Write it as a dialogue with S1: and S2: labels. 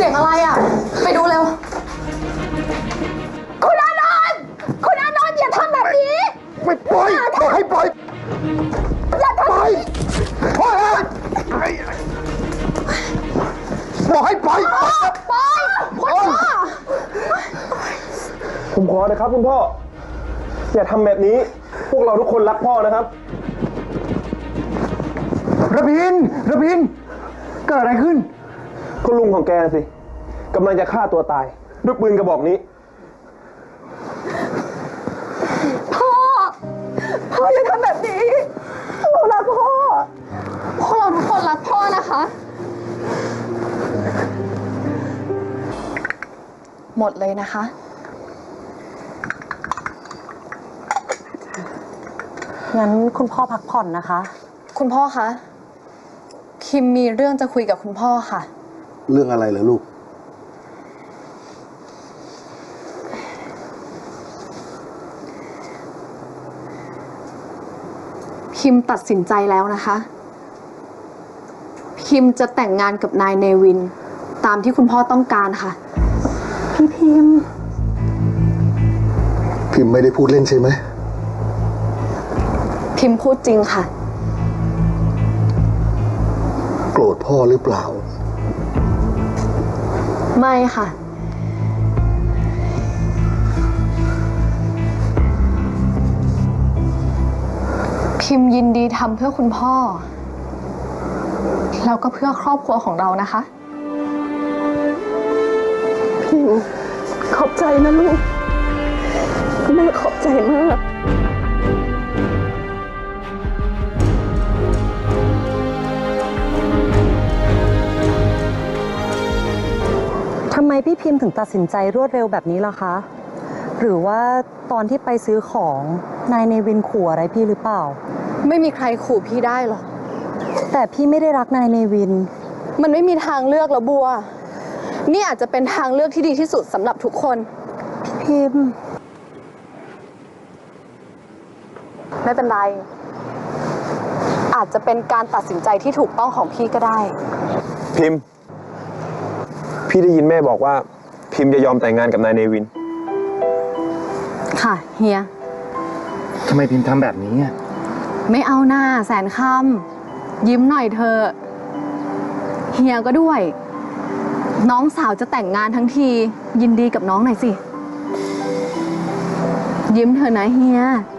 S1: สียงอะไรอ่ะไปดูเร็วคุณอานนท์อย่าทำแบบนี้
S2: ไม่ปล่อยบอกให้ปล่อย
S1: อย่าทำ
S2: ปล่อยปล่อยบอกให้ปล่อย
S1: ปล่อยคุณพ่อ
S3: ผมขอนะครับคุณพ่ออย่าทำแบบนี้พวกเราทุกคนรักพ่อนะครับ
S2: ระพินเกิดอะไรขึ้น
S3: ก็ลุงของแกสิกำลังจะฆ่าตัวตายด้วยปืนกระบอกนี้
S1: พ่ออย่าทำแบบนี้เรารักพ่อพวกเราทุกคนรักพ่อนะคะหมดเลยนะคะ
S4: งั้นคุณพ่อพักผ่อนนะคะ
S1: คุณพ่อคะคิมมีเรื่องจะคุยกับคุณพ่อค่ะ
S2: เรื่องอะไรเหรอลูก
S1: คิมตัดสินใจแล้วนะคะคิมจะแต่งงานกับนายเนวินตามที่คุณพ่อต้องการค่ะ
S4: พี่พิม
S2: ไม่ได้พูดเล่นใช่ไหม
S1: พิมพูดจริงค่ะ
S2: โกรธพ่อหรือเปล่า
S1: ไม่ค่ะพิมยินดีทำเพื่อคุณพ่อแล้วก็เพื่อครอบครัวของเรานะคะ
S4: พิมขอบใจนะลูกแม่ขอบใจมากทำไมพี่พิมถึงตัดสินใจรวดเร็วแบบนี้ล่ะคะหรือว่าตอนที่ไปซื้อของนายเนวินขู่อะไรพี่หรือเปล่า
S1: ไม่มีใครขู่พี่ได้หรอก
S4: แต่พี่ไม่ได้รักนายเนวิน
S1: มันไม่มีทางเลือกแล้วบัวนี่อาจจะเป็นทางเลือกที่ดีที่สุดสำหรับทุกคน
S4: พิม
S1: ไม่เป็นไรอาจจะเป็นการตัดสินใจที่ถูกต้องของพี่ก็ได้
S3: พิมพี่ได้ยินแม่บอกว่าพิมจะยอมแต่งงานกับนายเนวิน
S1: ค่ะเฮีย
S2: ทำไมพิมทำแบบนี้อ่ะ
S1: ไม่เอาหน้าแสนคำยิ้มหน่อยเธอเฮียก็ด้วยน้องสาวจะแต่งงานทั้งทียินดีกับน้องหน่อยสิยิ้มเถอะนะเฮีย